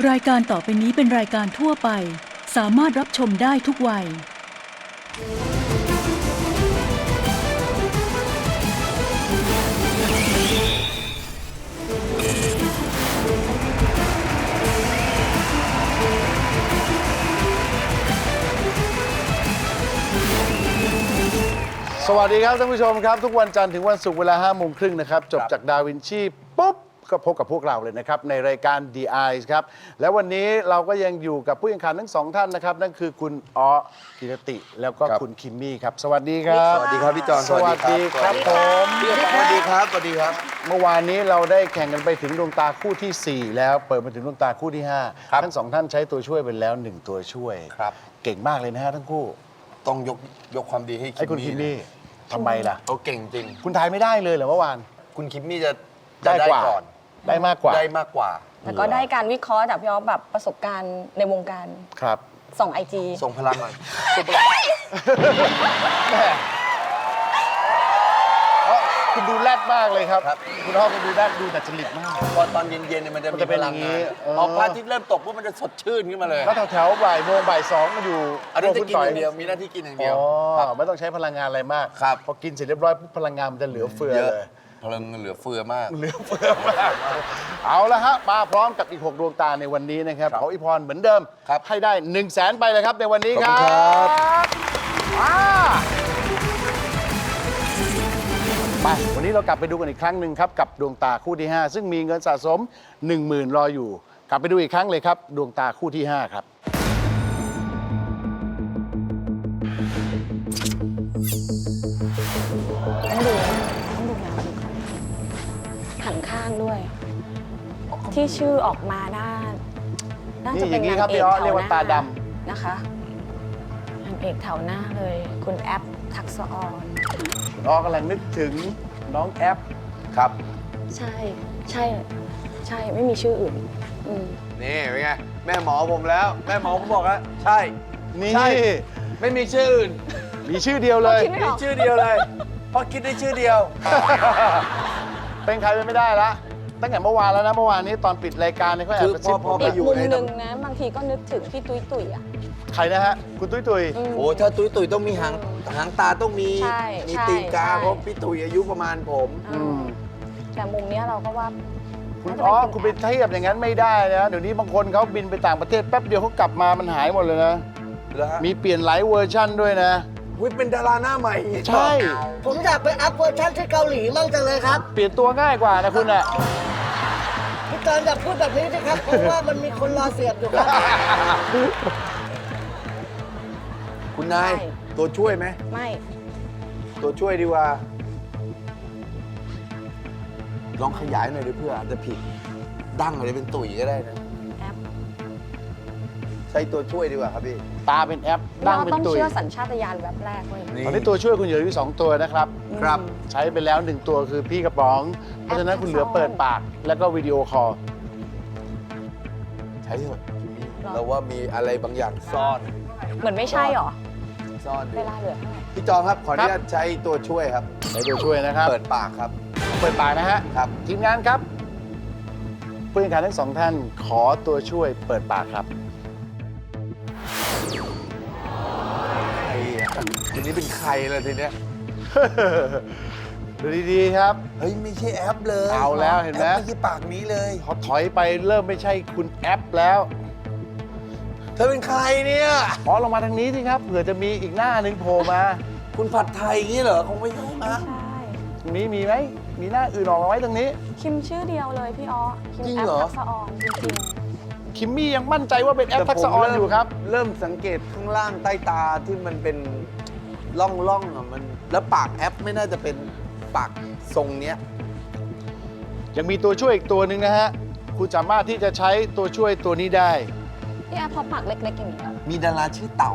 รายการต่อไปนี้เป็นรายการทั่วไปสามารถรับชมได้ทุกวัยสวัสดีครับท่านผู้ชมครับทุกวันจันทร์ถึงวันศุกร์เวลา 5:30 นะครับจบจากดาวินชีปุ๊บก็พบกับพวกเราเลยนะครับในรายการ The Eyes ครับและวันนี้เราก็ยังอยู่กับผู้แข่งขันทั้งสองท่านนะครับนั่นคือคุณอ๋อกิรติแล้วก็คุณคิมมี่ครับสวัสดีครับสวัสดีครับพี่จอนสวัสดีครับผมสวัสดีครับสวัสดีครับเมื่อวานนี้เราได้แข่งกันไปถึงดวงตาคู่ที่ 4 แล้วเปิดมาถึงดวงตาคู่ที่5ทั้งสองท่านใช้ตัวช่วยไปแล้ว1ตัวช่วยเก่งมากเลยนะฮะทั้งคู่ต้องยกความดีให้ไอ้คุณคิมมี่ทำไมล่ะเขาเก่งจริงคุณทายไม่ได้เลยเหรอเมื่อวานคุณคิมมี่จะได้กว่าก่อนได้มากกว่าได้มากกว่าแล้วก็ได้การวิเคราะห์จากพี่อ๊อฟแบบประสบการณ์ในวงการครับส่องไอจีส่งพลังหน่อยแม่คุณดูแรดมากเลยครับ คุณพ่อคุณดูแรดดูดัดจริตมากพอตอนเย็นๆเนี่ยมันจะมันมีจะเป็นพอลังย่างนี้งานพอพระอาทิตย์เริ่มตกปุ๊บมันจะสดชื่นขึ้นมาเลยแล้วแถวๆบ่ายโมงบ่ายสองมาอยู่อันนี้จะคุณกินต่อย่างเดียวมีหน้าที่กินอย่างเดียวอ๋ครัอบ ไม่ต้องใช้พลังงานอะไรมากครับพอกินเสร็จเรียบร้อยปุ๊บพลังงานมันจะเหลือเฟือเยอะเลยพลังเหลือเฟือมากเหลือเฟือมากเอาละฮะมาพร้อมกับอีก 6 ดวงตาในวันนี้นะครับขออีพรเหมือนเดิมครับให้ได้ 100,000 ไปเลยครับในวันนี้คขรัอบบคุณครับมาไปวันนี้เรากลับไปดูกันอีกครั้งหนึ่งครับกับดวงตาคู่ที่ 5 ซึ่งมีเงินสะสม 10,000 รออยู่ กลับไปดูอีกครั้งเลยครับดวงตาคู่ที่ 5 ครับต้องดูแนวหันข้างด้วย ที่ชื่อออกมาน่าจะเป็นนี่อย่างนี้นางครับเอพี่กอ๊อแถเรียว กหว่าน้าตาดนะคะนางเอกแถวหน้าเลย คุณแอปทักษะออนคุณอ้อกำลังนึกถึงน้องแอปครับใช่ใช่ใช่ไม่มีชื่ออื่นอืมนี่เป็นไงแม่หมอผมแล้ว แม่หมอผมบอกแล้วใช่นี่ใช่ ไม่มีชื่ออื่นมีชื่อเดียวเลยคิดไม่อมีอกชื่อเดียวเลยเพราะคิดได้ชื่อเดียวเป็นใครเป็นไม่ได้ละตั้งแต่เมื่อวานแล้วนะเมื่อวานนี้ตอนปิดรายการเนี่ยเขาแอบกระซิบคือผพอมไปอีกอยู่มุมในหนึ่งนะบางทีก็นึกถึงพี่ตุ้ยตุ้ยอ่ะใครนะฮะคุณตุ้ยตุ้ยอืมโอ้ถ้าตุ้ยตุ้ยต้องมีหางตาต้องมีใช่มีใช่ตีนกาใช่เพราะพี่ตุ้ยอายุประมาณผมแต่มุมเนี้ยเราก็ว่าคุณน่าจะอ๋อเป็นคุณไปเทียบอย่างนั้นไม่ได้นะเดี๋ยวนี้บางคนเขาบินไปต่างประเทศแป๊บเดียวเขากลับมามันหายหมดเลยนะแล้วฮะมีเปลี่ยนหลายเวอร์ชั่นด้วยนะอุ๊ยเป็นดาราหน้าใหม่ใช่ผมอยากไปอัพเวอร์ชันที่เกาหลีมั่งจังเลยครับเปลี่ยนตัวง่ายกว่านะคุณอ่ะพี่จอนอย่าพูดแบบนี้นะครับ เพราะว่ามันมีคนรอเสียบอยู่ครับคุณนายใช่ตัวช่วยไหมไม่ตัวช่วยดีกว่า ลองขยายหน่อยดิเพื่ออาจจะผิด ดั้งอะไรเป็นตุ๋ยก็ได้นะแอปใช้ตัวช่วยดีกว่าครับพี่ตาเป็นแอปดั้งเราเป็นต้องตุยเชื่อสัญชาตญาณแวบแรกเว้ยตอนนี้ตัวช่วยคุณเหลืออยู่2ตัวนะครับครับใช้ไปแล้ว1ตัวคือพี่กระป๋อง เพราะฉะนั้นคุณเหลือเปิดปากแล้วก็วิดีโอคอลใช้เถอะเราว่ามีอะไรบางอย่างซ่อนเหมือนไม่ใช่หรอซ่อนอเวยู่ลาเหลือเท่าไหร่พี่จอมครับ ขออนุญาตใช้ตัวช่วยครับใช้ตัวช่วยนะครับเปิดปากครับเปิดปากนะฮะครับทีมงานครับผู้แข่งขันทั้งสองท่านขอตัวช่วยเปิดปากครับใครอ่ะทีนี้เป็นใครเลยทีเนี้ยดูดีๆครับเฮ้ย ไม่ใช่แอปเลยเอาแล้วเห็นไหมแอปไม่ใช่ปากนี้เลยพอถอยไปเริ่มไม่ใช่คุณแอปแล้วเธอเป็นใครเนี่ยขอลงมาทางนี้สิครับเผื่อจะมีอีกหน้าหนึ่งโผล่มาคุณผัดไทยอย่างนี้เหรอ คงไม่ใช่ไม่มั้งใช่ตรงนี้มีไหมมีหน้าอื่นออกมาไว้ตรงนี้คิมชื่อเดียวเลยพี่อ๋อคิมจริงแอปเหรอทักษะออนจริงคิมมี่ยังมั่นใจว่าเป็นแอปทักษะออนอยู่ครับเริ่มสังเกตข้างล่างใต้ตาที่มันเป็นร่องๆอ่ะมัน แล้วปากแอปไม่น่าจะเป็นปากทรงเนี้ยยังมีตัวช่วยอีกตัวหนึ่งนะฮะคุณสามารถที่จะใช้ตัวช่วยตัวนี้ได้ๆพี่แอปพอปากเล็กๆอย่างนี้มีดาราชื่อเต๋า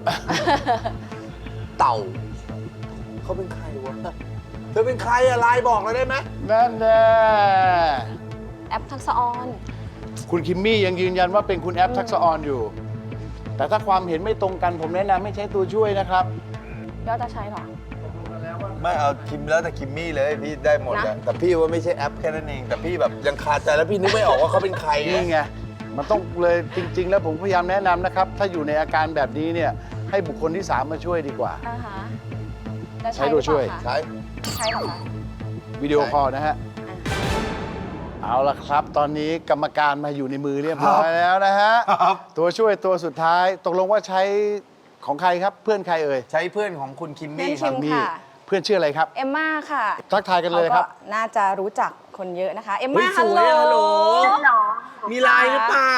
เต่า เขาเป็นใครวะ เธอเป็นใครอะไลน์บอกเราได้ไหมนั่นแน่แอปทักษะออนคุณคิมมี่ยังยืนยันว่าเป็นคุณแอปทักษะออนอยู่ แต่ถ้าความเห็นไม่ตรงกันผมแนะนำให้ใช้ตัวช่วยนะครับยอดจะใช้หรอไม่เอาคิมแล้วแต่คิมมี่เลยพี่ได้หมดนะอะแต่พี่ว่าไม่ใช่แอปแค่นั้นเอง แต่พี่แบบยังคาใจแล้วพี่นึกไม่ออกว่าเขาเป็นใครไงนี่ไงมันต้องเลยจริง ๆ แล้วผมพยายามแนะนำนะครับ ถ้าอยู่ในอาการแบบนี้เนี่ยให้บุคคลที่ 3 มาช่วยดีกว่าอ่าฮะจะใช้ตัวช่วยหรือเปใช้ล่าคะใช้เหรอคะวิดีโอคอลนะฮะ เอาละครับ ตอนนี้กรรมการมาอยู่ในมือเรียบร้อยแล้วนะฮะ ตัวช่วยตัวสุดท้าย ตกลงว่าใช้ของใครครับ เพื่อนใครเอ่ยใช้เพื่อนของคุณคิมเพื่อมี่นคคิรับมนี่ค่ะเพื่อนชื่ออะไรครับเอมม่าค่ะทักทายกันเลยครับขาก็น่าจะรู้จักคนเยอะนะคะ เอมเฮ้ม่ายสฮัลวยโหลฮัลโหล มีไลน์หรือเปล่า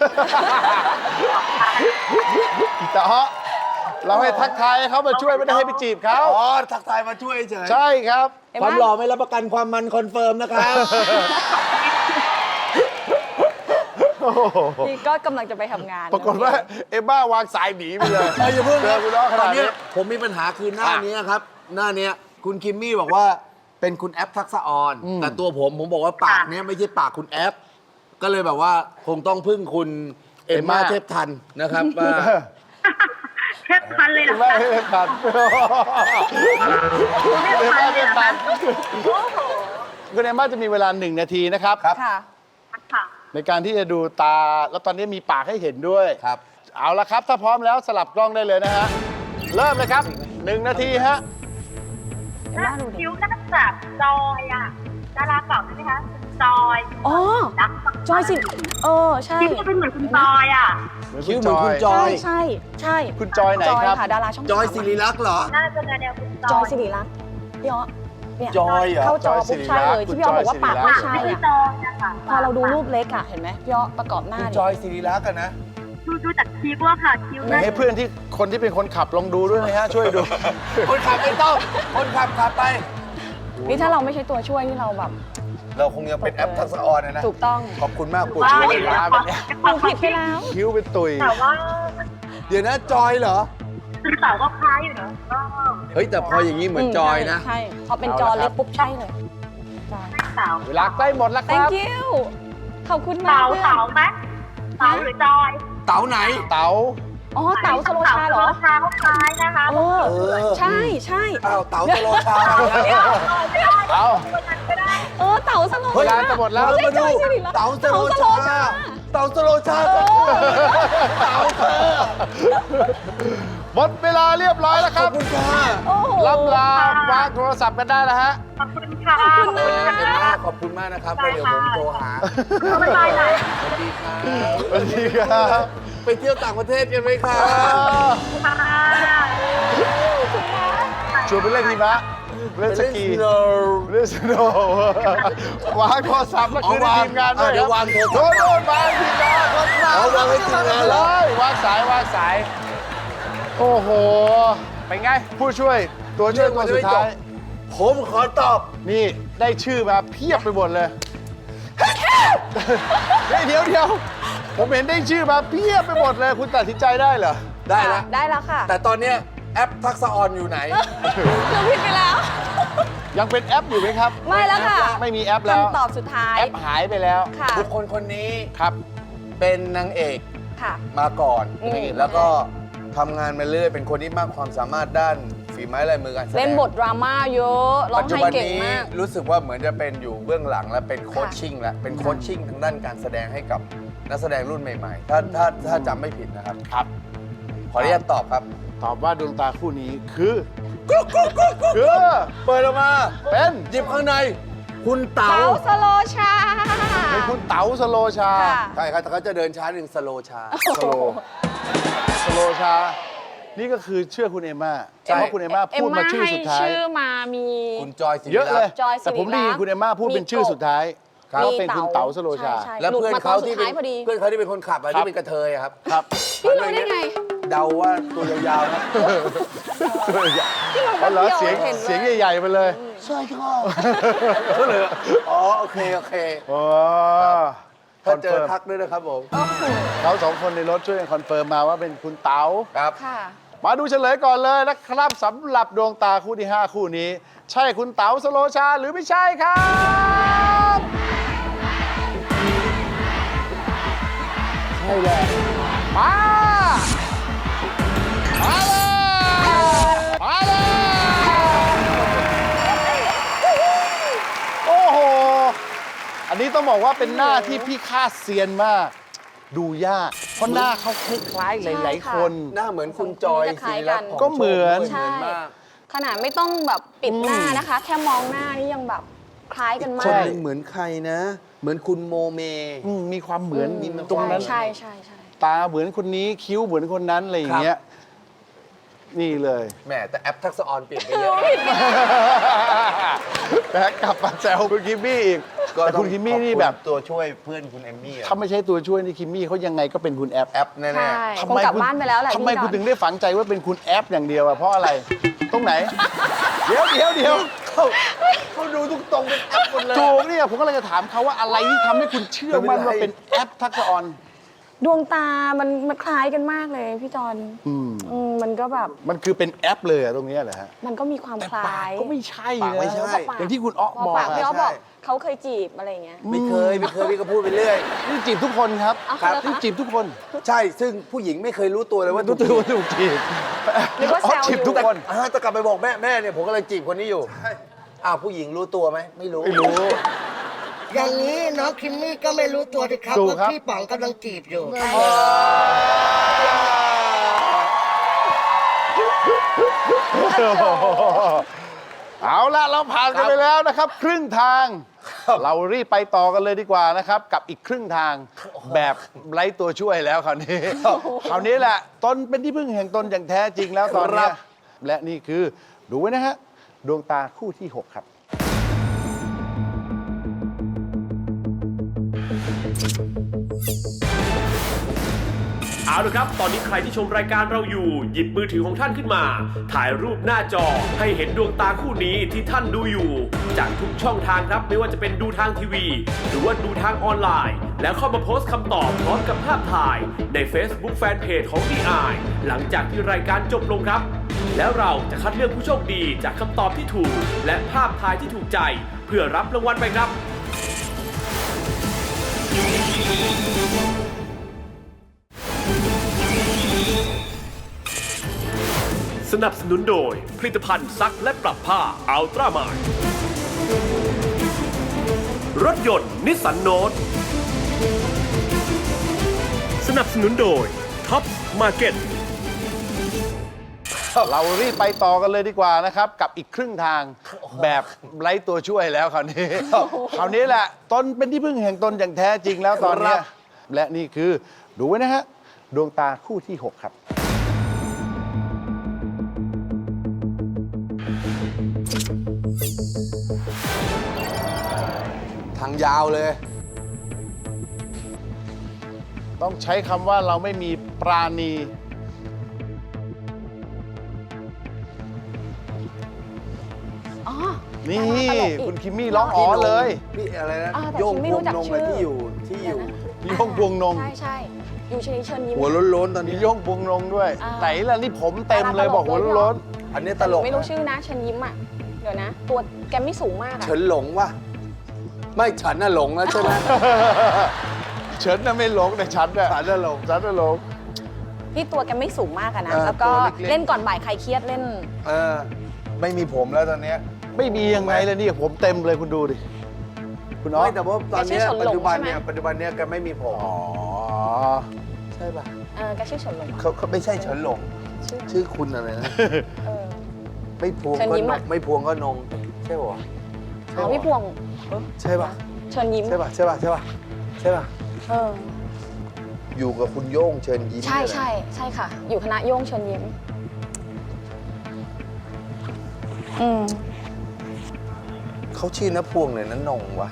แต่เราให้ทักทายให้เขามาช่วยไม่ได้ให้ไปจีบเขาอ๋อ ทักทายมาช่วยเฉยใช่ครับเอมความม่าหล่อไม่รับประกันความมันคอนเฟิร์มนะครับนี่ก็กำลังจะไปทำงานปรากฏว่าเอมม่าวางสายหนีไปเลยอย่าเพิ่งเจอคุณน้องขตอนาดนนี้เนี้ยผมมีปัญหาคือหน้านี้ครับ หน้าเนี้ยคุณคิมมี่บอกว่าเป็นคุณแอปทักษะออน แต่ตัวผมบอกว่าปากเนี้ยไม่ใช่ปากคุณแอป ก็เลยแบบว่าคงต้องพึ่งคุณเอมมาเทพทันนะครับว่าเทปพันเลยเหรอไม่คะให้ผ่านไม่ผ่านคุณเอมม่าจะมีเวลา1 นาทีนะครับค่ะค่ะในการที่จะดูตา แล้วตอนนี้มีปากให้เห็นด้วยครับเอาละครับ ถ้าพร้อมแล้วสลับกล้องได้เลยนะฮะ เริ่มเลยครับ 1 นาทีฮะเอมม่าดูดิคิ้วน่าจะแบบจอยอ่ะดาราเก่าใช่ไหมคะคุณจอยอ๋อรักจอยสิใช่คิ้วจะเป็นเหมือนคุณจอยอ่ะคิ้วเหมือนคุณจอยใช่ใช่คุณจอยไหนจอยครับค่ะ ดาราช่องจอยสามศิริลักษณ์เหรอน่าจะแนวคุณจจออยยสิริรักษ์พี่อ๋อเนี่ยจอยเหรอเข้าจอจอยสิปุ๊บริใช่รักษ์เลยที่พี่อ๋อบอกว่าปากไม่ใช่ไม่อะใช่จอยนะคะพอเราดูรูปเล็กอะเห็นไหมพี่อ๋อประกอบหน้าคุณดิจอยศิริลักษณ์อะนะดูจากคิ้วอะค่ะคิ้วไหนน่าให้เพื่อนที่คนที่เป็นคนขับลองดูด้วยนะฮะ ช่วยดูคนขับไม่ต้อง คนขับไปนี่ถ้าเราไม่ใช่ตัวช่วยนี่เราแบบเราคงยังเป็นแอปทักษะออนนะถูกต้องขอบคุณมากคุณว่าช่วยอย่างเลยนี้นะขอดูผิดไปแล้วคิ้วเป็นตุยแต่ว่าเดี๋ยวนะจอยเหรอคุณเต๋าก็คล้ายอยู่เนอะก็เฮ้ย แต่พออย่างนี้เหมือนจอยนะใช่พอเป็นจอเล็กปุ๊บใช่เลยจอยเต๋าเวลาใกล้หมดแล้วครับ thank you ขอบคุณมากเต๋าเพื่อนเต๋าไหมเต๋าหรือจอยเต๋าไหนเต๋าอ๋อเต๋าสโลชาเหรอเต๋าสโลชาเขาคล้ายนะคะเออเออใช่ใช่อ้าวเต๋าสโลชาเอาเออเต๋าสโลชาเวลาจะหมดแล้วไม่ใช่มาดูจอยสิริรักษ์เต๋าสโลชา เต๋าสโลชาเออเต๋าเธอหมดเวลาเรียบร้อยแล้วคขอรับบ คุณค่ะโอ้โหล่ำลาวางโทรศัพท์กันได้แล้วฮะขอบคุณค่ะขอบคุณนะเอ็มม่าขอบคุณมากนะครับแล้วเดี๋ยวผมโทรหาบ๊ายบายหน่อยสวัสดีครับสวัสดีครับไปเที่ยวต่างประเทศกันไหมครับค่ะชวนไปเล่นหิมะเล่นสกีไปเล่น snow เล่นสโนว์วางโทรศัพท์แล้วคืนให้ทีมงานด้วยเดี๋ยววางโทรศัพท์โน่นวางทีมงานเอาวางให้ทีมงานเหรอเลยวางสายวางสาย โอ้โห เป็นไง ผู้ช่วยตัวช่วยตัวสุดท้ายผมขอตอบนี่ได้ชื่อมาเพียบไปหมดเลย เฮ้ยเดี๋ยว ผมเห็นได้ชื่อมาเพียบไปหมดเลย คุณตัดสินใจได้เหรอได้แล้วได้แล้วค่ะแต่ตอนเนี้ยแอปทักษะออนอยู่ไหนหนูผิดไปแล้วยังเป็นแอปอยู่ไหมครับไม่แล้วค่ะไม่มีแอปแล้วคำตอบสุดท้ายแอปหายไปแล้วค่ะบุคคลคนนี้ครับเป็นนางเอกค่ะมาก่อนอืมแล้วก็ทำงานมาเรื่อยเป็นคนที่มากความสามารถด้านฝีไม้ลายมือการแสดงเล่นบทดราม่าเยอะร้อปังจจุไห้บันเก่งนี้มากรู้สึกว่าเหมือนจะเป็นอยู่เบื้องหลังและเป็นโคชชิ่งแล้วเป็นโคชชิ่งทางด้านการแสดงให้กับนักแสดงรุ่นใหม่ๆ ถ้าจำไม่ผิดนะครับครับขออนุญาตตอบครับตอบว่าดวงตาคู่นี้คือคือ เปิดออกมาเป็นหยิบข้างใน คุณเต๋าเต๋าสโลชาเป็นคุณเต๋าสโลชาค่ะใช่ครับแต่เขาจะเดินช้าหนึ่งสโลชาสโลสโลชา นี่ก็คือเชื่อคุณเอมม่าใช่เพราะคุณเอมม่าพูดมาชื่อสุดท้ายเอ็มม่ให้ชื่อมามีคุณจอยศิริเยอะเลรัยกษ์จอยศิริรักษ์แต่ผมได้ยินคุณเอมม่าพูดเป็นชื่อสุดท้ายครับก็เป็นคุณเต๋าสโลชาใช่แล้วเพื่อนเขาที่หลุเป็นดมาตอนสุดท้ายพอดีเพื่อนเขาที่เป็นคนขับอะครับที่เป็นกระเทยอะครับครับพี่รู้ได้ไงเดาว่าตัวยาวๆครับอ๋อเหรอเดียวเสียงเห็นเลยเสียงใหญ่ๆไปเลยใช่ครับก็เลยอ๋อโอเคโอ้ถ้าเจอทักด้วยนะครับผมเขาสองคนในรถช่วยกันคอนเฟิร์มมาว่าเป็นคุณเต๋าครับค่ะมาดูเฉลยก่อนเลยนะครับสำหรับดวงตาคู่ที่ 5 คู่นี้ ใช่คุณเต๋าสโลชาหรือไม่ใช่ครับใช่เลยมาเลยโอ้โห อันนี้ต้องบอกว่าเป็นหน้าที่พี่คาดเซียนมากดูยากเพราะหน้าเขาคล้ายๆหลายๆคนหน้าเหมือนคุณจอยจะคล้ายศิริกัรันตน์ก็เหมือนเหมือนมากขนาดไม่ต้องแบบปิดหน้านะคะ แค่มองหน้านี่ยังแบบคล้ายกันมาคนกหนึ่งเหมือนใครนะ เหมือนคุณโมเมมีความเหมือนตรงนั้นใช่ตาเหมือนคนนี้คิ้วเหมือนคนนั้นอะไรอย่างเงี้ยนี่เลยแหมแต่แอปทักษะออนเปลี่ยนไปเยอะแบ็กกลับมาแซวคุณคิมมี่อีกแต่คุณคิมมี่นี่แบบตัวช่วยเพื่อนคุณเอมมี่อะถ้าไม่ใช่ตัวช่วยนี่คิมมี่เขายังไงก็เป็นคุณแอปแอปแน่ใช่ๆคงกลับบ้านไปแล้วแหละทำไมพี่คุณจถึอนงได้ฝังใจว่าเป็นคุณแอปอย่างเดียวอะเพราะอะไร ตรงไหน เดี๋ยวเขาดูทุกตรงเป็นแอปหมดเลยถูกเนี่ยผมก็เลยจะถามเขาว่าอะไรที่ทำให้คุณเชื่อมั่นว่าเป็นแอปทักษะออนดวงตามันคล้ายกันมากเลยพี่จอนมันก็แบบมันคือเป็นแอปเลยอะตรงเนี้ยเหรอฮะมันก็มีความคล้ายก็ไม่ใช่ปากนะไม่ใช่อย่างที่คุณอ๊อกพอบอกปากพี่อ๊อฟบอกใช่เขาเคยจีบอะไรอย่างเงี้ยไม่เคยพี่ก็พูดไปเรื่อยนี่จีบทุกคนครับเอาเหรอคะนี่จีบทุกคนใช่ ซึ่งผู้หญิงไม่เคยรู้ตัวเลยว่ารู้ตัวว่าถูกจีบหรือว่าแซวจีบทุกคนจะกลับไปบอกแม่เนี่ยผมกำลังจีบคนนี้อยู่อ้าวผู้หญิงรู้ตัวไหมไม่รู้ไม่รู้อย่างนี้น้องคิมมี่ก็ไม่รู้ตัวสิครับถูกว่าครับพี่ป๋องกำลังจีบอยู่เอาละเราผ่านกันไปแล้วนะครับ ครึ่งทาง เรารีบไปต่อกันเลยดีกว่านะครับ กับอีกครึ่งทางแบบไร้ตัวช่วยแล้วคราวนี้คราวนี้แหละตนเป็นที่พึ่งแห่งตนอย่างแท้จริงแล้วตอนเนี้ยและนี่คือดูไว้นะฮะดวงตาคู่ที่ 6 ครับเอาละครับ ตอนนี้ใครที่ชมรายการเราอยู่ หยิบมือถือของท่านขึ้นมา ถ่ายรูปหน้าจอให้เห็นดวงตาคู่นี้ที่ท่านดูอยู่ จากทุกช่องทางครับ ไม่ว่าจะเป็นดูทางทีวี หรือว่าดูทางออนไลน์ แล้วเข้ามาโพสต์คำตอบพร้อมกับภาพถ่ายใน Facebook Fanpage ของ DI หลังจากที่รายการจบลงครับ แล้วเราจะคัดเลือกผู้โชคดีจากคำตอบที่ถูก และภาพถ่ายที่ถูกใจเพื่อรับรางวัลไปครับ สนับสนุนโดยผลิตภัณฑ์ซักและปรับผ้าอัลตร้ามายรถยนต์นิสสันโนตสนับสนุนโดยท็อปมาร์เก็ตเรารีบไปต่อกันเลยดีกว่านะครับ กับอีกครึ่งทางแบบไร้ตัวช่วยแล้วคราวนี้คราวนี้แหละตนเป็นที่พึ่งแห่งตนอย่างแท้จริงแล้วตอนเนี้ยและนี่คือดูไว้นะฮะดวงตาคู่ที่ 6 ครับทางยาวเลยต้องใช้คำว่าเราไม่มีปราณีอ๋อนี่ดาราตลกอีกคุณคิมมี่ร้องอ๋อเลยพี่อะไรนะแต่โยงคิมไม่พวรู้งจักนงชื่อะไรอที่อยู่โยงพวงนงใช่อยู่ชนิดเชิญยิ้มหัวโล้นๆตอนมีนี้โยงพวงนงด้วยอ่าไหนล่ะนี่ผมเต็มเลยบอกหัวโล้นอันนี้ตแต่หลนูกไม่รู้ชื่อนะเชิญยิ้มอ่ะเดี๋ยวนะ ตัวแกไม่สูงมากอ่ะเฉินหลงวะไม่ฉันน่ะหลงแล้วใช่ไหมเฉินน่ะไม่หลงแต่ฉันน่ะฉันน่ะหลงฉันน่ะหลงพี่ตัวแกไม่สูงมากอะนะเออแล้วก็ตัวเล็กๆเล่นก่อนบ่ายใครเครียดเล่นเออไม่มีผมแล้วตอนเนี้ยไม่มียังไงเลยนี่ผมเต็มเลยคุณดูดิคุณอ๋อไม่แต่ว่าตอนเนี้ยแกชื่อเฉินหลงปัจจุบันใช่ไหมเนี่ยปัจจุบันเนี่ยแกไม่มีผมอ๋อใช่ป่ะแกชื่อเฉินหลงเขาไม่ใช่เฉินหลง ชื่อคุณอะไรนะเออไม่พวงเชิญก็ยิ้มนอะงไม่พวงก็นงใช่ป่ะอ๋อพี่พวงใช่ป่ะเชิญยิ้มใช่ป่ะใช่ป่ะใช่ป่ะใช่ป่ะเอออยู่กับคุณโย่งเชิญยิ้มใช่เนี่ยนะใช่ค่ะ อยู่คณะโย่งเชิญยิ้มอืมเขาชื่อน้าพวงเลยนะนงวะ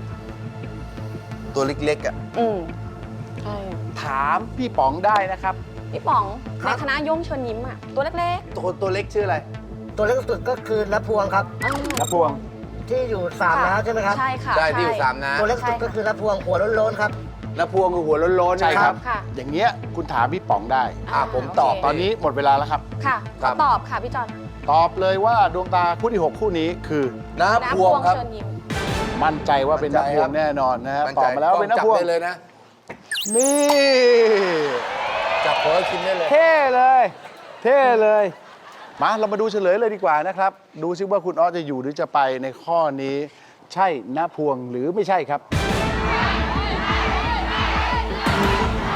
ตัวเล็กๆอ่ะอืมใช่ถามพี่ป๋องได้นะครับพี่ป๋องในคณะโย่งเชิญยิ้มอะตัวเล็กตัวเล็กชื่ออะไรตัวเล็กสุดก็คือณพวงครับๆอ้าวนะพวงที่อยู่สามน้ำใช่ไหมครับใช่ค่ะได้ที่อยู่สามนะตัวเล็กสุดก็คือณพวงหัวโล้นๆครับน้าพวงคือหัวโล้นๆใช่ครับค่ะอย่างเงี้ยคุณถามพี่ป๋องได้ผมตอบโเคตอนนี้หมดเวลาแล้วครับค่ะครับขอตอบค่ะพี่จอนตอบเลยว่าดวงตาคู่ที่ 6 คู่นี้คือน้าน้าพวงครับเชิญยิ้มมั่นใจว่าเป็นมั่นันกใจพวครังบแน่นอนนะครับมั่นตใจอบมาแล้วเป็นนักจับพวงได้เลยนะนี่จับเพิร์คิมได้เลยเท่เลย เท่เลย มาเรามาดูเฉลยเลยดีกว่านะครับ ดูซิว่าคุณอ๊อจะอยู่หรือจะไปในข้อนี้ ใช่ณพวงหรือไม่ใช่ครับ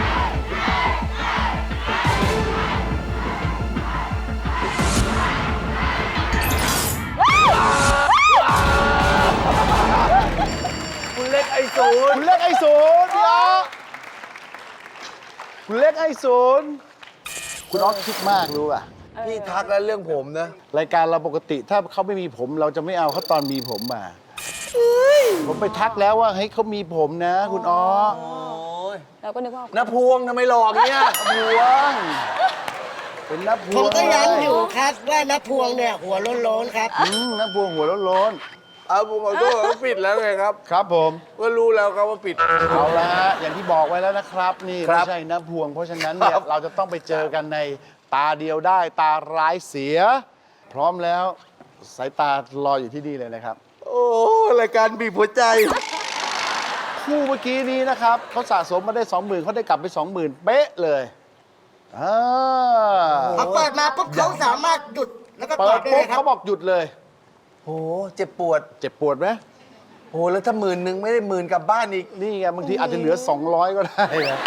ศูนย์พี่อ๊อฟคุณเล็กให้ศูนย์คุณอ๊อฟคิดมากรู้ป่ะพี่ทักแล้วเรื่องผมนะรายการเราปกติถ้าเขาไม่มีผมเราจะไม่เอาเขาตอนมีผมมาผมไปทักแล้วว่าเฮ้ยเขามีผมนะ คุณอ๊อฟเราก็นึกว่าน้าพวงทำไมหลอกเนี่ยพวงเป็นนับพผวมงก็ย้ำอยู่ครับว่าน้าพวงเนี่ยหัวโล้นๆครับนับพวงหัวโล้นเอาผมขอโทษว่าปิดแล้วไงครับๆครับผมก็รู้แล้วครับว่าปิดเอาละฮะอย่างที่บอกไว้แล้วนะครับ นี่ครัไม่บใช่นับพวง เพราะฉะนั้นเนี่ยครับเราจะต้องไปเจอกันในตาเดียวได้ตาร้ายเสีย พร้อมแล้วสายตารออยู่ที่นี่เลยนะครับโอ้รายการบีบหัวใจคู่เมื่อกี้นี้นะครับเขาสะสมมาได้ 20,000เขาได้กลับไป 20,000 เป๊ะเลยอ่าพอเปิดมาปุ๊บเขาสามารถหยุดแล้วก็เปิตอดบได้ปุ๊เลบยครัเขาบบอกหยุดเลยโอ้เจ็บปวดเจ็บปวดไหมโอ้แล้วถ้า10,000ไม่ได้10,000กลับบ้านอีกนี่ไงบางทีอาจจะเหลือ 200 ก็ได้นะ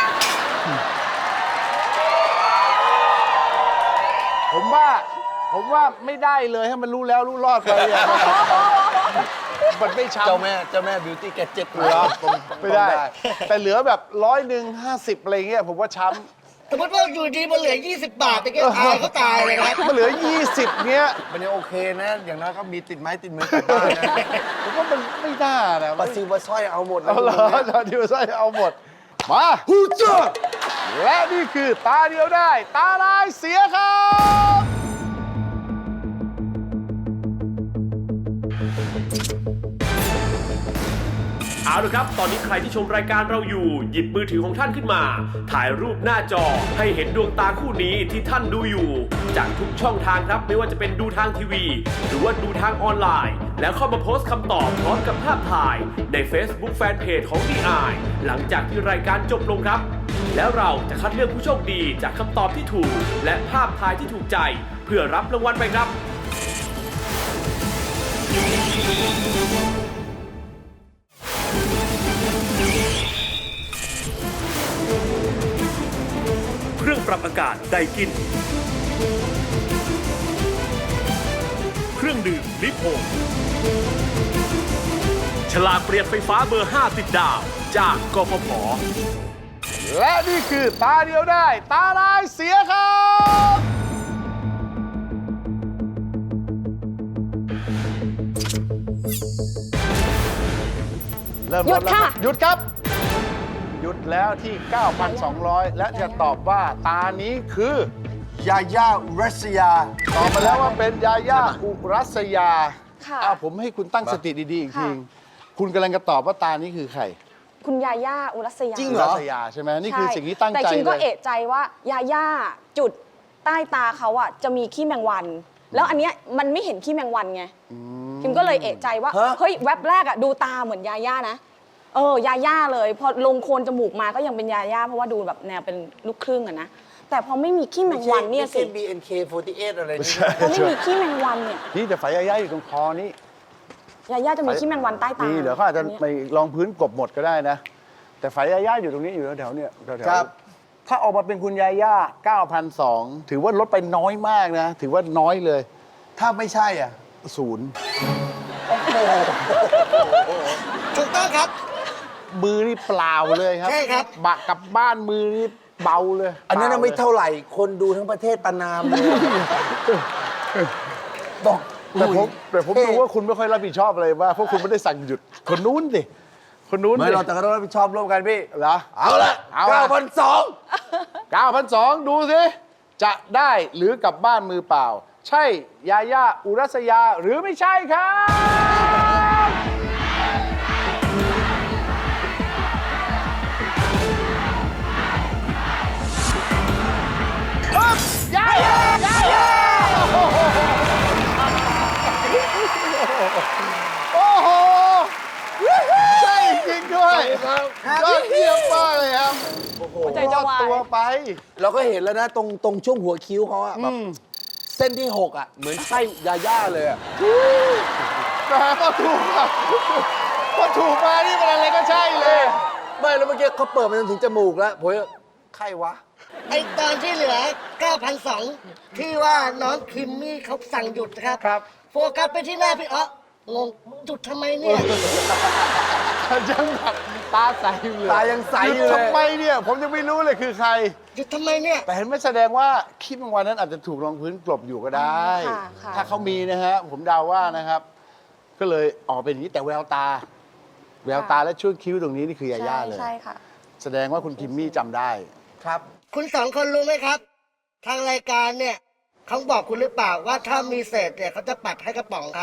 ผมว่าไม่ได้เลยให้มันรู้แล้วรู้รอดไปอ่ะมันไม่ช้ำเจ้าแม่บิวตี้แกเจ็บเหลือไม่ได้ แต่เหลือแบบ100 50อะไรเงี้ยผมว่าช้สมมติว่าอยู่ดีมันเหลือ 20 บาทแต่แกตายเขาตายเลยครับำมันเหลือ 20เงี้ยมันยังโอเคนะ อย่างน้อยก็มีติดไม้ติดมือกลับบ้านนะผมว่ามันไม่น่านะปลาซิวปลาสร้อยเอาหมดนะเอาเหรอตอนที่ว่าใช่เอาหมดมาฮูเจอร์และนี่คือตาเดียวได้ ตาลายเสียครับเอาละครับ ตอนนี้ใครที่ชมรายการเราอยู่ หยิบมือถือของท่านขึ้นมา ถ่ายรูปหน้าจอให้เห็นดวงตาคู่นี้ที่ท่านดูอยู่ จากทุกช่องทางครับ ไม่ว่าจะเป็นดูทางทีวี หรือว่าดูทางออนไลน์ แล้วเข้ามาโพสต์คำตอบพร้อมกับภาพถ่ายใน Facebook Fanpage ของ DI หลังจากที่รายการจบลงครับ แล้วเราจะคัดเลือกผู้โชคดีจากคำตอบที่ถูก และภาพถ่ายที่ถูกใจ เพื่อรับรางวัลไปครับ เครื่องปรับอากาศไดกิน เครื่องดื่มลิโพนฉลากเปลี่ยนไฟฟ้าเบอร์ 5 ติดดาว จากกฟผ. และนี่คือตาเดียวได้ ตาลายเสียครับ เริ่มหยุดแล้วค่ะหยุดครับ หยุดแล้วที่ 9,200 และจะตอบว่าตานี้คือยาย่ารัสยาตอบมาแล้วว่าเป็นยาย่าอุรัสยาค่ะผมให้คุณตั้งสติดีๆอีกทีค่ะคุณกำลังจะตอบว่าตานี้คือใครคุณยาย่าอุรัสยาจริงอุเหรรัอสยาใช่ไหมนี่คือสิ่งที่ตั้งแต่ใจคิมเลก็ยเอะใจว่ายาย่าจุดใต้ตาเขาอะจะมีขี้แมงวัน แล้วอันเนี้ยมันไม่เห็นขี้แมงวันไงคิมก็เลยเอะใจว่าฮะเฮ้ยแว็บแรกอะดูตาเหมือนยาย่านะยาย่าเลยพอลงโคนจมูกมาก็ยังเป็นยาย่าเพราะว่าดูแบบแนวเป็นลูกครึ่งอะนะแต่พอไม่มีขี้แมงวันเนี่ยสิไม่ใช่ BNK48 อะไรนี่พอไม่มีขี้แมงวันเนี่ยนี่แต่ไฟยาย่าอยู่ตรงคอนี่ยาย่าจะมีขี้แมงวันใต้ตานี่นี่เดี๋ยวเขาอาจจะไปลองพื้นกบหมดก็ได้นะ แต่ไฟยาย่าอยู่ตรงนี้อยู่แถวๆเนี่ยแถวๆครับถ้าออกมาเป็นคุณยาย่า 9,200 ถือว่าลดไปน้อยมากนะ ถือว่าน้อยเลยถ้าไม่ใช่อ่ะศูนย์ถูกต้องครับมือนี่เปล่าเลยครับใช่ครับบะกลับบ้านมือนี่เบาเลยอันนั้นปนะล่ไม่ลยเท่าไหร่ คนดูทั้งประเทศประนามเลยบอกแต่ผมดูว่าคุณไม่ค่อยรับผิดชอบอะไรมากเพราะคุณไม่ได้สั่งหยุด คนนู้นสิคนนู้นไม่สิเราแต่ก็ต้องรับผิดชอบร่วมกันพี่เหรอเอาละเอาละ 9,200 9,200 ดูสิ จะได้หรือกลับบ้านมือเปล่า ใช่ยาย่าอุรัสยาหรือไม่ใช่ครับอึ๊บยาย่ายาย่าโอ้โหใช่จริงด้วยยอดเยี่ยมมากเลยครับใจจะวายตัวไปเราก็เห็นแล้วนะตรงช่วงหัวคิ้วเขาอะแบบเส้นที่ 6อะเหมือนใช่ยาย่าเลยอะแต่พอถูกอะพอถูกมานี่มันอะไรก็ใช่เลยไม่แล้วเมื่อกี้เขาเปิดมาจนถึงจมูกแล้วผมว่าใครวะไอตอนที่เหลือ 9,200 ที่ว่าน้องคิมมี่เขาสั่งหยุดนะครับครับโฟกัสไปที่หน้าพี่อ๊อกงงหยุดทำไมเนี่ยยังแบบตาใสอยู่เลยตายังใสหอยุดยู่เลยทำไมเนี่ยผมยังไม่รู้เลยคือใครหยุดทำไมเนี่ยแต่เห็นไหม่แสดงว่าขี้แมงวันนั้นอาจจะถูกรองพื้นกลบอยู่ก็ได้ค่ะค่ะถ้าเขามีนะฮะผมเดาว่านะครับ ก็เลยออกเป็นอย่างนี้แต่แววตา แววตาและช่วงคิ้วตรงนี้นี่คือยาย่าเลยใช่ค่ะแสดงว่าคุณคิมมี่จำได้ครับคุณสองคนรู้ไหมครับ ทางรายการเนี่ยเขาบอกคุณหรือเปล่าว่าถ้ามีเศษเนี่ยเขาจะปัดให้กระป๋องครับ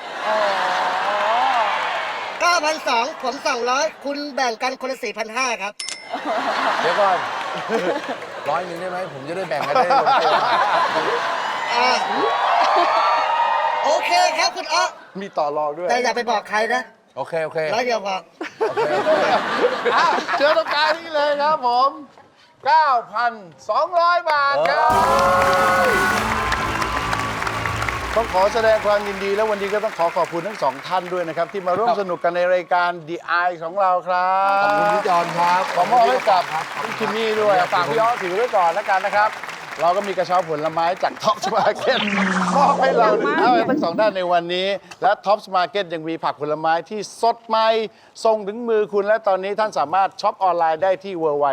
9,200ผม200คุณแบ่งกันคนละ4,500ครับเดี๋ยวก่อน100ได้ไหมผมจะได้แบ่งกันได้ลงตัวอ่าโอเคครับคุณอ๊อมีต่อรองด้วยแต่อย่าไปบอกใครนะโอเค โอเคร้อยเดียวพอโอเคอ่ะเจอตรงกลางนี่เลยครับผม 9,200 บาทครับ ต้องขอแสดงความยินดีและวันนี้ก็ต้องขอขอบคุณทั้งสองท่านด้วยนะครับ ที่มาร่วมสนุกกันในรายการ The Eye ของเราครับขอบคุณพี่จอนครับขอมอบให้กับคุณคิมมี่ด้วยฝากพี่อ้อถือไว้ก่อนแล้วกันนะครับ เราก็มีกระเช้าผลไม้จากท็อปสมาร์เก็ตมอบให้เราทั้งสองท่านในวันนี้ และท็อปสมาร์เก็ตยังมีผักผลไม้ที่สดใหม่ส่งถึงมือคุณและตอนนี้ท่านสามารถช็อปออนไลน์ได้ที่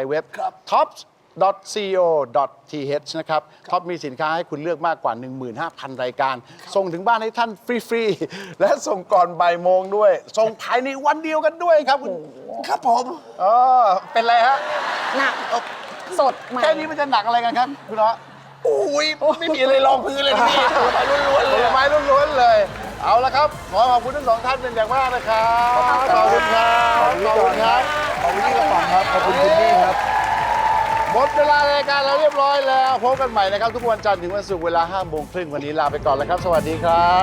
www.tops.co.th นะครับท็อปมีสินค้าให้คุณเลือกมากกว่า 15,000 รายการ ส่งถึงบ้านให้ท่านฟรีๆและส่งก่อนบ่ายโมงด้วย ส่งภายในวันเดียวกันด้วยครับคุณครับผมเป็นไรฮะหนักสดใหม่แค่นี้มันจะหนักอะไรกันครับ คุณเนาะโอ้ยไม่มีอะไรรองพื้นเลยพี่ผลไม้ล้วนๆเลยผลไม้ล้วนๆเลย เอาละครับ ขอขอบคุณทั้งสองท่านเป็นอย่างมากนะครับขอบคุณครับขอบคุณครับขอบคุณที่กระป๋องครับขอบคุณคุณนี่ครับหมดเวลารายการเราเรียบร้อยแล้วพบกันใหม่นะครับ ทุกวันจันทร์ถึงวันศุกร์เวลา 5 โมงครึ่งวันนี้ลาไปก่อนแล้วครับ สวัสดีครับ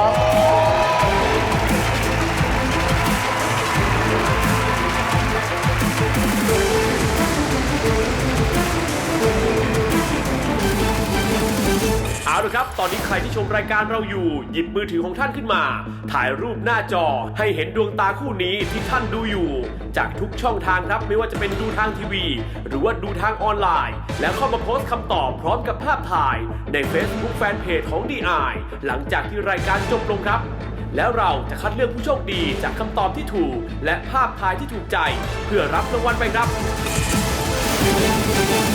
เอาละครับ ตอนนี้ใครที่ชมรายการเราอยู่ หยิบมือถือของท่านขึ้นมา ถ่ายรูปหน้าจอให้เห็นดวงตาคู่นี้ที่ท่านดูอยู่ จากทุกช่องทางครับ ไม่ว่าจะเป็นดูทางทีวี หรือว่าดูทางออนไลน์ แล้วเข้ามาโพสต์คำตอบพร้อมกับภาพถ่ายใน Facebook Fanpage ของ DI หลังจากที่รายการจบลงครับ แล้วเราจะคัดเลือกผู้โชคดีจากคำตอบที่ถูก และภาพถ่ายที่ถูกใจ เพื่อรับรางวัลไปครับ